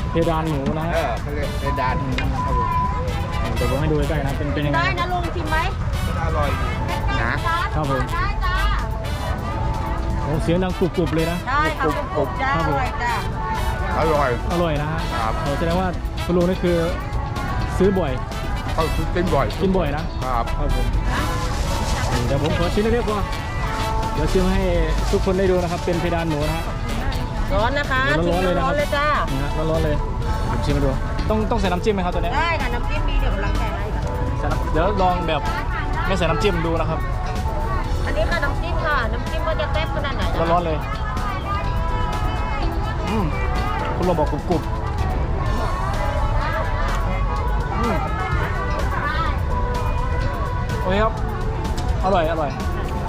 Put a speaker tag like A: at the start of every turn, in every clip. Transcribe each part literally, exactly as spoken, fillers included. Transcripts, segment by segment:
A: เพดานหมูนะฮะ
B: เออเขาเรียกเพดาน
A: ครับผมเดี๋ยวผมให้ดูใกล้ๆนะเป็นเป็นยังไง
C: ได้นะลุงชิมไหม
B: อร่อยนะครับ
A: ผม
C: ได้จ้า
A: โอ้เสียงดังกรุบๆเลยนะ
C: ได้ค่ะกรุบๆจ้าอร่อยจ้า
B: อร่อย
A: อร่อยนะฮะ
B: ครับ
A: โอ้แสดงว่าคุณลุงนี่คือซื้อบ่อย
B: เขากินบ่อย
A: กินบ่อยนะครับ ครับผมเดี๋ยวผมขอชิ้นเล็กๆก่อนเดี๋ยวชิมให้ทุกคนได้ดูนะครับ เป็นเพดานหมูนะฮะ
C: ร้อนนะคะ
A: เดี๋ยวร้อนๆเลยนะครับ
C: เลยจ้า
A: นี่ฮะร้อนๆเลยผมชิมให้ดูต้องต้องใส่น้ำจิ้มไหมครับตัวเนี้ย
C: ได้ค่ะน้ำจิ้มมีเดี๋ยวกำลังแกะให้ค่ะ
A: ใส่น้ำเดี๋ยวลองแบบไม่ใส่น้ำจิ้มดูนะครับ
C: อันนี้ค่ะน้ำจิ้มค่ะน้ำจิ้มว่าจะแซ่บขนาดไหนนะ
A: ร้อนๆเลยอืมคุณลองบอกกรุบๆอืมโอเคครับอร่อยอร่อย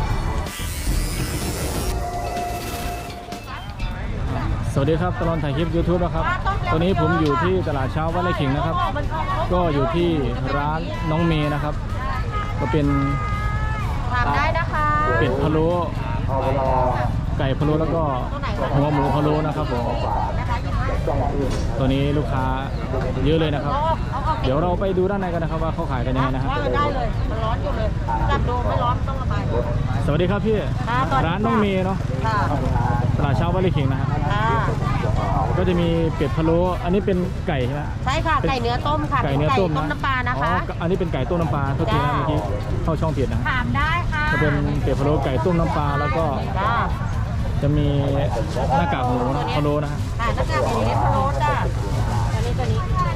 A: สวัสดีครับตลอดถ่ายคลิป ยูทูบ นะครับตอนนี้ผมอยู่ที่ตลาดเช้าวัดไร่ขิงนะครับก็อยู่ที่ร้านน้องเมย์นะครับก็เป็น
C: ทานได้นะคะ
A: เป็ดพะโล้ไก่พะโล้แล้วก็หัวหมูพะโล้นะครับผม
C: นะคะยี่ห้า
A: ตัวนี้ลูกค้าเยอะเลยนะครับ
C: เอาออกเอาออก
A: เดี๋ยวเราไปดูด้านในกันนะครับว่าเขาขายกันยังไงนะฮะ
C: ว่ากันได้เลยมันร้อนอยู่เลยจับดูไม่ร้อนต้องระบาย
A: สวัสดีครับพี่
C: ค่ะสวัสดีค่ะ
A: ร้านน้องเมย์เนาะ
C: ค่ะ
A: ตลาดเช้าวัดไร่ขิงนะฮะ
C: ค่ะ
A: ก็จะมีเป็ดพะโล้อันนี้เป็นไก่ใช่ไหม
C: ใช่ค่ะไก่เนื้อต้มค่ะ
A: ไก่เนื้อต้ม
C: ต้มน้ำปลานะคะ
A: อ๋ออันนี้เป็นไก่ต้มน้ำปลาโทษทีนะ
C: จ้า
A: เมื่อกี้เข้าช่องผิดนะ
C: ถามได้ค่ะ
A: จะเป็นเป็ดพะโล้ไก่ต้มน้ำปลาแล้วก็
C: จ้า
A: จะมีหน้ากากหมูนะพะโล้นะฮะ
C: ค่ะหน้ากากหมูนี่พะโล้จ้าอันนี้ตัวนี้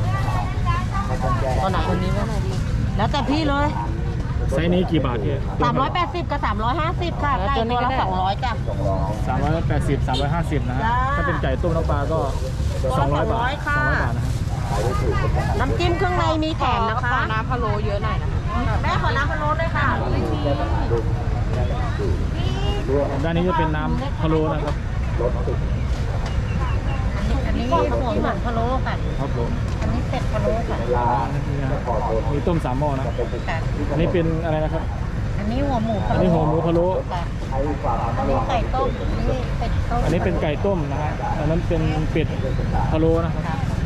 C: ตัวไหนตัวนี้ว่าไหนดีแล้วแต่พี่เลย
A: ไซส์นี้กี่บาทพี่
C: สามร้อยแปดสิบกับสามร้อยห้าสิบค่ะไก่ตัวละสองร้อยจ้ะ
A: สามร้อยแปดสิบ สามร้อยห้าสิบนะฮะ
C: จ้า
A: ถ้าเป็นไก่ต้มน้ำปลาก็สองร้อยบาท
C: ค่ะ
A: สองร้อยบาทนะฮะ
C: น้ำจิ้มเครื่องในมีแถมนะคะน้ำพะโล้เยอะหน่อยนะแม่ขอน้ำพะโล้ด้วยค่ะไม่มี
A: ด้านนี้จะเป็นน้ำพะโล้นะครับ
C: อันนี้หัวหมูพะโล้ค่ะ
A: ครับผม
C: อันนี้เป็ดพะโล้ค่ะ
A: นี่นะมีต้มสามหม้อนะ อันนี้เป็นอะไรนะครับ
C: อันนี้หัวหมู
A: อันนี้หัวหมูพะโล้
C: ค่ะอันนี้ไก่ต้มอันนี้เป็ดต้ม
A: อันนี้เป็นไก่ต้มนะฮะ อันนั้นเป็นเป็ดพะโล้นะครับ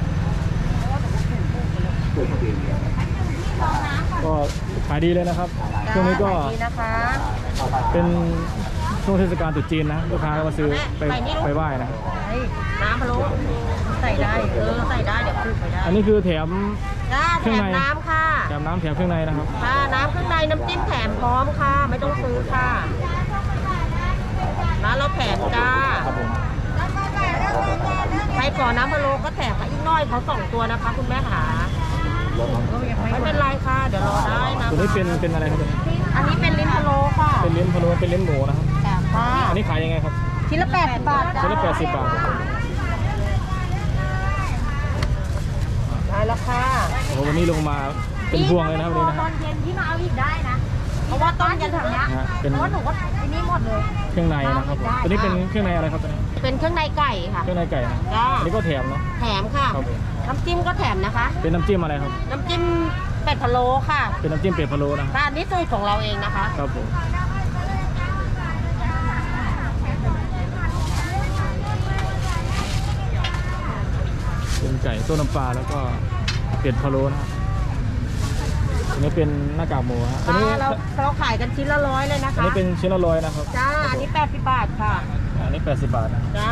A: ก็ขายดีเลยนะครับ ช่วงนี้ก็
C: ดีนะคะ
A: เป็นช่วงเทศกาลตรุษจีนนะ ลูกค้าก็มาซื้อไปไปไหว้นะ
C: น้ำพะโล้ใส่ได้เออใส่ได้เดี๋ยวคลุกไปได้
A: อันนี้คือแถม
C: จ้า
A: เค
C: แถ
A: รื่อง
C: ม
A: ใน
C: น้ำค่ะ
A: แถมน้ำแถมเครื่องในนะครับ
C: ค่ะน้ำข้างในน้ำจิ้มแถมพร้อมค่ะ ไม่ต้องซื้อค่ะร้านเราแถมจ้า
A: ครับผม
C: ใครขอน้ำพะโล้ก็แถมมาอีกหน้อยเขาสองตัวนะคะ คุณแม่ขาไม่เป็นไรค่ะ เดี๋ยวรอได้นะ
A: ตัวนี้เป็นเป็นอะไรครับตัวนี้
C: อันนี้เป็นลิ้นพะโล้ค่ะ
A: เป็นลิ้นพะโล้เป็นลิ้นหมูนะครับ
C: ค่ะ
A: อันนี้ขายยังไงครับ
C: ชิ้นละแปดสิบบาทจ้า
A: ชิ้นละแปดสิบบาท
C: ได้แล้วค่ะ
A: โอ้โหวันนี้ลงมาเป็นพวงเลยนะครับวันนี้นะ
C: ตอนเย็นที่มาเอาอีกได้นะ เพราะว่าต้นยันถังเนี้ย
A: นะฮะเป็น
C: เพราะว่าหนูก็ไอ้นี่หมดเลย
A: เครื่องในนะครับผมตัวนี้เป็นเครื่องในอะไรครับตัวนี้
C: เป็นเครื่องในไก่ค่ะ
A: เครื่องในไก่นะ
C: จ้า
A: อันนี้ก็แถมเนาะ
C: แถมค่ะ
A: ครับผม
C: น้ำจิ้มก็แถมนะคะ
A: เป็นน้ำจิ้มอะไรครับ
C: น้ำจิ้มเป็ดพะโล้ค่ะ
A: เป็นน้ำจิ้มเป็ดพะโล้นะ
C: ร้านนี้สูตรของเราเองนะคะ
A: ครับผมเป็นไก่ต้มน้ำปลาแล้วก็เป็ดพะโล้นะครับอันนี้เป็นหน้ากากหมูฮะอันนี้
C: อ่าเราเราขายกันชิ้นละร้อยเลยนะ
A: อัน
C: คะ
A: นี้เป็นชิ้นละร้อยนะครับ
C: จ้า อันนี้แปดสิบบาทค่ะ
A: อันนี้แปดสิบบาทนะ
C: จ้า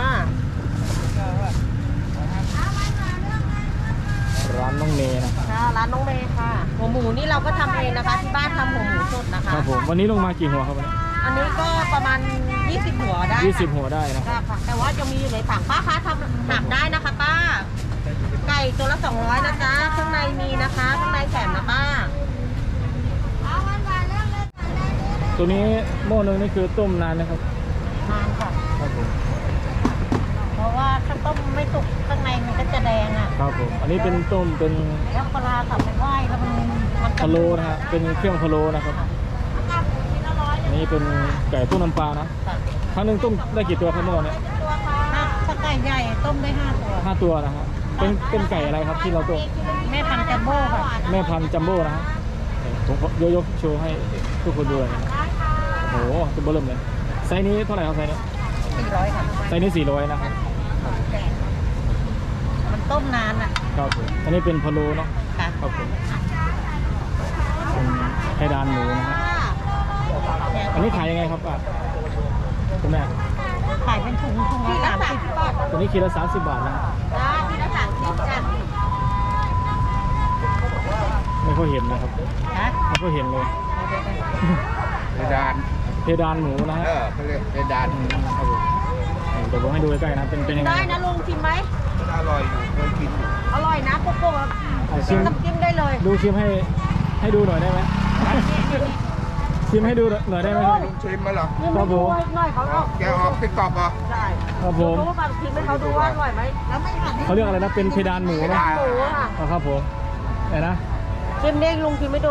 A: ร้านน้องเมย์นะ
C: จ้า ร้านน้องเมย์ค่ะ หัวหมูนี่เราก็ทำเองนะคะ ที่บ้านทำหัวหมูสดนะคะ
A: ครับผมวันนี้ลงมากี่หัวครับวันนี้
C: อันนี้ก็ประมาณยี่สิบหัวได้ค่ะ
A: ยี่สิบหัวได้นะ
C: ค่ะค่ะ แต่ว่าจะมีอยู่ในถังป้าคะทำหักได้นะคะป้า ไก่ตัวละสองร้อยนะจ๊ะ ข้างในมีนะคะ ข้างในแถมนะป้า
A: ตัวนี้หม้อนึงนี่คือต้มนานนะครับ
C: นานค่ะ
A: ครับผม
C: เพราะว่าถ้าต้มไม่สุกข้างในมันก็จะแดงอ่ะ
A: ครับผมอันนี้เป็นต้มเป็น
C: แล้วปลาสับไปไหว้แล้วมันมัน
A: พะโล้นะฮะเป็นเครื่องพะโล้นะครับอันนี้เป็นไก่ต้มน้ำปลานะครั้งหนึงต้มได้กี่ตัวครับเมื่อวานเนี้
C: ถ้าถ้าไก่ใหญ่ต้มได้ห้าตัว
A: ห้าตัวนะฮะเป็นเป็นไก่อะไรครับที่เราต้ม
C: แม่พันธุ์จัมโบ้ค่ะ
A: แม่พันธุ์จัมโบ้นะฮะผมขอยกยกโชว์ให้ทุกคนดูเลยนะโอ้โหตัวเบอร์เริ่มเลยไซส์นี้เท่าไหร่ครับไซส์นี้
C: สี่ร้อยค่ะ
A: ไซส์นี้สี่ร้อยนะครับ
C: มันต้มต้มนานอ่ะ
A: ครับผมอันนี้เป็นพะโล้เนาะ
C: ค่ะ
A: ครับผมเป็นไข่ดานหมูนะฮะอันนี้ขายยังไงครับป้าคุณแม่
C: ขายเป็นถุงถุงละสามสิบ
A: ตัวนี้คิดละสามสิบบาทนะ
C: จ้าที่ละสามสิบจ้ะ
A: ไม่ค่อยเห็นนะครับ
C: ฮะ
A: ไม่ค่อยเห็นเลย
B: เพดาน
A: เพดานหมูนะฮะ
B: เออเขาเรียกเพดาน
A: อืมครับผมเดี๋ยวผมให้ดูใกล้ๆนะเป็นเป็นยังไง
C: ได้นะลุงชิมไหม
B: มันอร่อยอยู่เคยกินอยู่
C: อร่อยนะโกโก้
A: อ่ะชิ
C: ชิม
A: ม
C: น้ำจิ้มได้เลย
A: ดูชิมให้ให้ดูหน่อยได้ไหมชิมให้ดูหน่อยได้ไหมครับ
B: ลุงชิมมาเหรอ
C: นี่ไม่ดูให้หน่อยเขาออก
B: แกออกติ๊กต็อกเหรอ
C: ใช่
A: ครับผม
C: รู้ว่าชิมให้เขาดูว่าอร่อยไหมแล้วไม่หัน
A: เขาเรียกอะไรนะเป็นเพดานหมูนะ
C: หมูอ่ะ
A: อ๋อครับผมไหนนะ
C: ชิมเด้งลุงชิมไม่ดู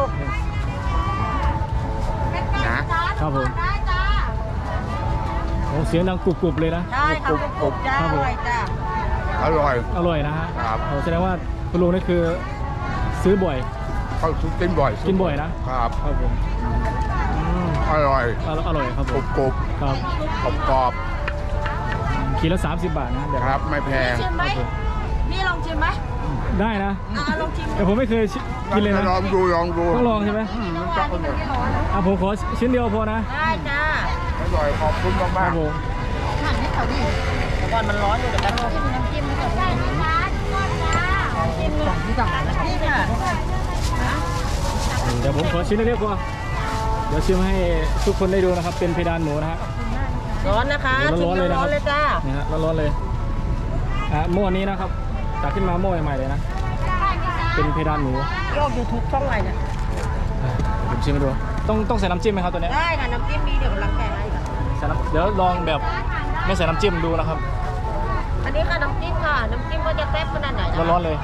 B: นะครับ
A: ผม
C: ได้จ้า
A: โอ้เสียงดังกรุบๆเลยนะ
C: ได้ค่ะกรุบๆจ้า
A: ครับ
C: อ
A: ผม
C: ร่อยจ้า
B: อร่อย
A: อร่อยนะฮะ
B: ครับ
A: โอ้แสดงว่าคุณลุงนี่คือซื้อบ่อย
B: เขากินบ่อย
A: กินบ่อยนะครับ ครับผมอืม
B: อร่อย
A: อร่อยอร่อยครับ
B: ก
A: ผ
B: รุ
A: ม
B: บกรุบ
A: ครับ
B: กรอบกรอบ
A: ขีดละสามสิบบาทนะเดี๋ยว
B: ครับไม่แพง
C: ชิมไหมนี่ลองชิมไหม
A: ได้นะ
C: อ่าลองชิม
A: แต่ผมไม่เคยชิกินเลยนะ
B: ลองดูลองดู
A: ต้องลองใช่ไหม
B: อืมมันจะอร่อย
A: อ่ะผมขอชิ้นเดียวพอนะ
C: ได้จ้า
B: อร่อยขอบคุณ
A: ค
B: มา
A: รั
B: ก
A: บผม
C: หั่นให้เขาดิเดี๋ยวก่อนมันร้อนอยู่เดี๋ยวกันจิ้มน้ำจิ้มให้เขาได้นะคะจิ้มสองที่สองนี่ค่ะ
A: เดี๋ยวผมขอชิ้นเล็กๆพอเดี๋ยวชิมให้ทุกคนได้ดูนะครับ เป็นเพดานหมูนะฮะ
C: ร้อนนะคะ
A: เดี๋ยว
C: ชิม
A: ร้อนๆเลยนะค
C: ร้
A: รั
C: อบ นเลยจ้า
A: นะฮะร้อนๆเลยอ่ะหม้อนี้นะครับตักขึ้นมาหม้อใหม่ๆเลยนะเป็นเพดานหมู
C: โยกยูทูบช่องอะไรเนี่ย
A: อ่ะผมชิมให้ดูต้องต้องใส่น้ำจิ้มไหมครับตัวเนี้ย
C: ได้ค่ะน้ำจิ้มมีเดี๋ยวกำลังแกะให้ค่ะ
A: ใส่น้ำเดี๋ยวลองแบบไม่ใส่น้ำจิ้มดูนะครับ
C: อันนี้ค่ะน้ำจิ้มค่ะน้ำจิ้มว่าจะแซ่บขนาดไหนนะ
A: ร้อนๆเลย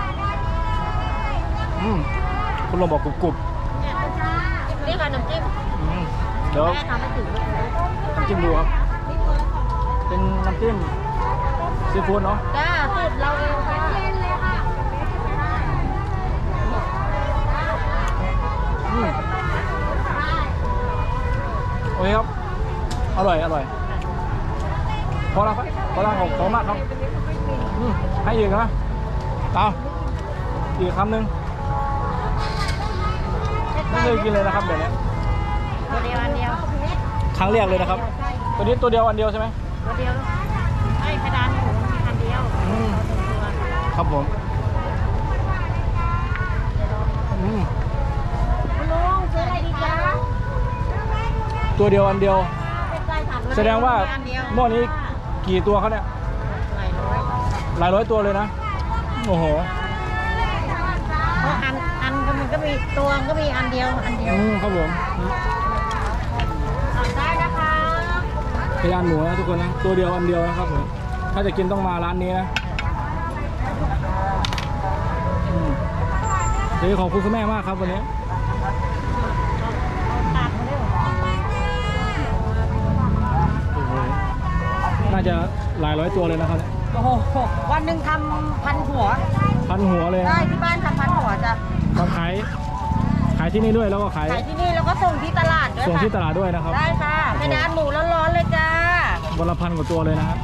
A: อืมคุณลองบอกกรุบ
C: นี่ค่ะน้ำจิ้ม
A: ๆอืมเดี๋ยว
C: แม่ทำให้ถึงเลย
A: น้ำจิ้มดูครับเป็นน้ำจิ้มซีฟู้ดเนาะ
C: จ้าสูตรเราเองค่ะเย็นเลยค่ะ
A: อืมโอเคครับอร่อยอร่อยพอแล้วครับพอแล้วขอบคุณมากครับอืมให้อีกนะเอาอีกคำหนึ่งไม่เคยกินเลยนะครับแบบนี้
C: ตัวเดียวอันเดียว
A: ครั้งแรกเลยนะครับ ตัวนี้ตัวเดียวอันเดียวใช่ไหม
C: ตัวเดียวไม่กระดานหมูมีอันเดียว
A: อืมครับผมอืม
C: คุณลุงซื้ออะไรดีจ๊ะ
A: ตัวเดียวอันเดียว
C: เป็นไก่ถาม
A: แสดงว่า
C: อันเดียว
A: หม้อนี้กี่ตัวเขาเนี่ย
C: หลายร้อย
A: หลายร้อยตัวเลยนะโอ้โห
C: เพราะอันอันมันก็มีตัวก็มีอันเดียวอันเดียว
A: อืมครับผม
C: สั่งได้นะคะ
A: พยานหมูนะทุกคนนะตัวเดียวอันเดียวนะครับผมถ้าจะกินต้องมาร้านนี้นะอืมเดี๋ยวขอบคุณคุณแม่มากครับวันนี้
C: ตัดมาเร็ว
A: โอ้โหน่าจะหลายร้อยตัวเลยนะครับเนี่ย
C: โอ้โหวันหนึ่งทำพันหัว
A: พันหัวเลย
C: ได้ที่บ้านทำพันหัวจ้ะ
A: มาขายขายที่นี่ด้วยแล้วก็ขาย
C: ขายที่นี่แล้วก็ส่งที่ตลาดด้วย
A: ส่ง
C: ค่ะ
A: ที่ตลาดด้วยนะครับ
C: ได้ค่ะเป็นร้านหมูร้อนๆเลยจ้า
A: วันละพันกว่าตัวเลยนะฮะ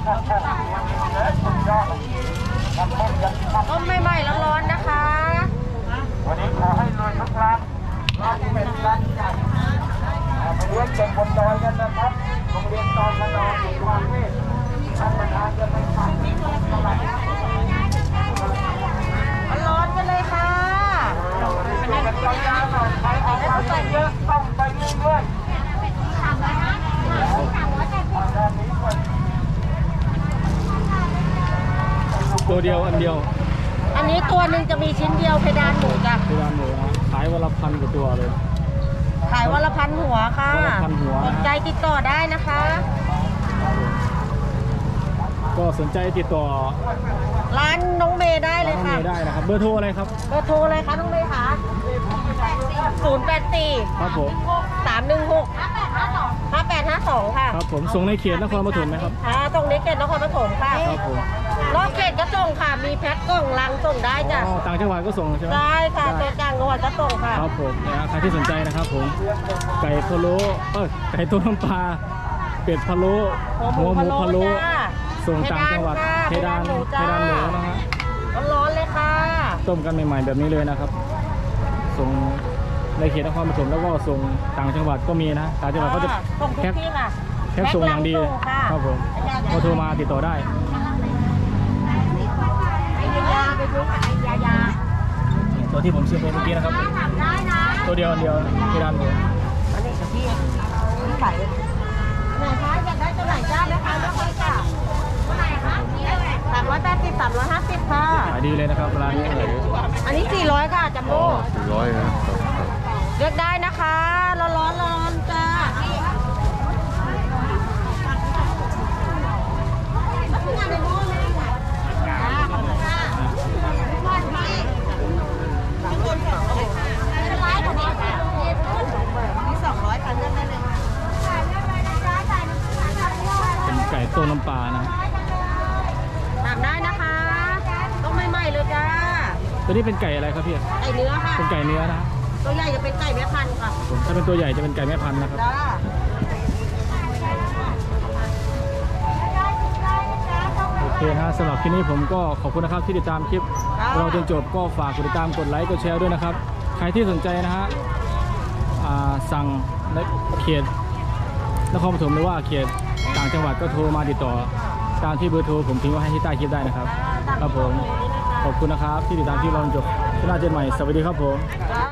C: ต้มใหม่ๆร้อนๆนะคะ
B: วันนี้ขอให้รวยทุกร้านร้านเป็นร้านใหญ่เรียนเด็กบนดอยกันนะครับโรงเรียนตอนขนองอยู่กรุงเทพท่านประธานจะไปฟังตลาด
C: ร้อนๆกันเลยค่ะ
B: เป็นกันยาวๆหน่อยใครออกไปเยอะต้องไปเรื่อยๆ
A: ตัวเดียวอันเดียว
C: อันนี้ตัวหนึ่งจะมีชิ้นเดียวเพดานหมูจ้ะ
A: พยานหมูนะขายวันละพันกว่าตัวเลย
C: ขายวันละพันหัวค่ะ
A: วันละพันหัว
C: สนใจติดต่อได้นะคะ
A: ก็สนใจติดต่อ
C: ร้านน้องเมย์ได้เล
A: ร้าย นน้อง
C: ค่ะ
A: เมย์ได้นะครับเบอร์โทรอะไรครับ
C: เบอร์โทรเลยค่ะน้องเมย์ค่ะศูนย์แปดสี่
A: ครับผม
C: สามหนึ่งหกห้าแปดห้าสองค่ะ
A: ครับผมส่งในเขตนครปฐมไหมครับ
C: ค่ะตรงนี้เขตนครปฐมค่ะ
A: ครับผม
C: นอกเขตก็ส่งค่ะ มีแพ็คกล่องลังส่งได้จ้ะ
A: อ๋อต่างจังหวัดก็ส่งใช่ไหม
C: ได้ค่ะ
A: ได้
C: ตัวกลางจังหวัดก็ส่งค่ะ
A: ครับผมนะฮะใครที่สนใจนะครับผมไก่พะโล้เออไก่ต้มน้ำปลาเป็ดพะโล้
C: หัวหมูพะโล้จ้า
A: ส่งต่างจังหวัดเพ
C: เพ
A: ดา
C: ดาน นหมู
A: เพ
C: จ้า
A: ดานหมูนะฮะ
C: ร้
A: ต้มกันใหม่ๆแบบนี้เลยนะครับส่งในเขตนครปฐมแล้วก็ส่งต่างจังหวัดก็มีนะต่างจังหวัดก็จะ
C: ส่งทุก
A: แพ็ค
C: ที่ค่ะ
A: แพ็คส่งอย่างดี
C: แพ็คลังส่งค่ะ
A: ครับผมก็โทรมาติดต่อได้
C: ไอยายาไปดูไอยายา
A: ตัวที่ผมซื้อไปเมื่อกี้นะครับ
C: ได้นะ
A: ตัวเดียวอันเดียวที่ร้านผม
C: อันนี้กับพี่พี่ใส่ไหนคะอยากได้ตัวไหนจ้าไหมคะเลือกเลยค่ะตัวไหนคะสามร้อยแปดสิบสามร้อยห้าสิบค่ะ
A: ขายดีเลยนะครับร้านนี้
C: อันนี้สี่ร้อยค่ะจัมโบ้
D: สี่ร้อยนะครับ
C: เลือกได้นะคะร้อนร้อนร้อนจ้าสองร้อยค่ะเลือกได้เลย
A: เป็นไก่ต้มน้ำปลานะ
C: ถามได้นะคะต้องใหม่ๆเลยจ้า
A: ตัวนี้เป็นไก่อะไรครับพี่
C: ไก่เนื้อค่ะ
A: เป็นไก่เนื้อนะ
C: ตัวใหญ่จะเป็นไก่แม่พันธุ์ค่ะ
A: ผมถ้าเป็นตัวใหญ่จะเป็นไก่แม่พันธุ์นะครับ
C: จ้า
A: โอเคนะฮะสำหรับคลิปนี้ผมก็ขอบคุณนะครับที่ติดตามคลิปเราจนจบก็ฝากกดติดตามกดไลค์กดแชร์ด้วยนะครับใครที่สนใจนะฮะอ่าสั่งในเขตนครปฐมหรือว่าเขตต่างจังหวัดก็โทรมาติดต่อตามที่เบอร์โทรผมทิ้งไว้ให้ที่ใต้คลิปได้นะครับครับผมขอบคุณนะครับที่ติดตามคลิปเราจนจบที่หน้าเจนใหม่สวัสดีครับผม